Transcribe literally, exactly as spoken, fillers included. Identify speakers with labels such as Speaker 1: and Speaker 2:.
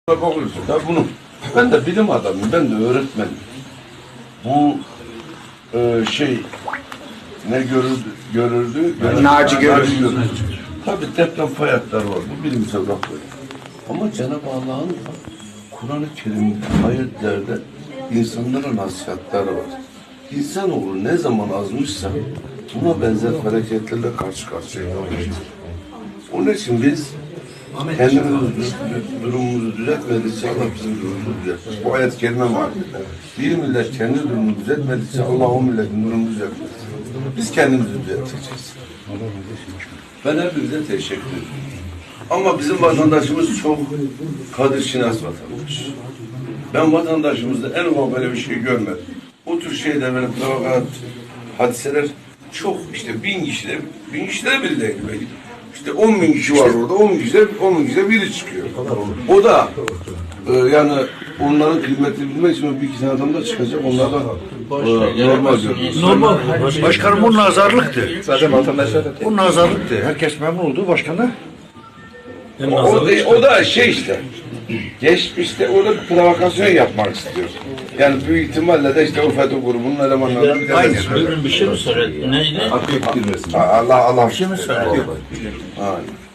Speaker 1: Bakıyorsun da bunu. Ben de bilim adamıyım, ben de öğretmenim. Bu e, şey ne görürdü, görürdü, görürdü
Speaker 2: Naci görürdü.
Speaker 1: Tabii deprem fay hatları var, bu bilimsel rapor. Ama Cenab-ı Allah'ın Kur'an-ı Kerim'de, ayetlerde insanlara nasihatleri var. İnsanoğlu ne zaman azmışsa buna benzer hareketlerle karşı karşıya kalmıştır. Onun için biz kendimiz durumumuzu düzeltmedikçe Allah bizim durumumuzu düzeltmez. Bu ayet-i kerime var. Bir millet kendi durumunu düzeltmedikçe Allah o milletin durumunu düzeltmez. Biz kendimizi düzelteceğiz. Ben hepinize teşekkür ederim. Ama bizim vatandaşımız çok kadir şinas vatandaş. Ben vatandaşımızda en ufak böyle bir şey görmedim. Bu tür şeyler böyle provokat, hadiseler çok işte bin kişide, bin kişide biri değil belki. İşte on bin kişi var orada, on bin kişide, on bin kişide biri çıkıyor. O da e, yani onların kıymetini bilmek için bir iki tane adam da çıkacak, onlardan e, normal görüyoruz.
Speaker 2: Normal. Başkanım bu nazarlıktı.
Speaker 3: Zaten vatandaşlar da
Speaker 2: Bu nazarlıktı. Herkes memnun oldu başkanı.
Speaker 1: O, o, o da şey işte, geçmişte o da bir provokasyon yapmak istiyor. Yani büyük ihtimalle de işte o FETÖ grubunun elemanlarından bir tanesi.
Speaker 4: Bugün bir şey mi söyledi? Neydi?
Speaker 1: Allah Allah.
Speaker 4: Bir şey mi söyledi?
Speaker 1: Aynen.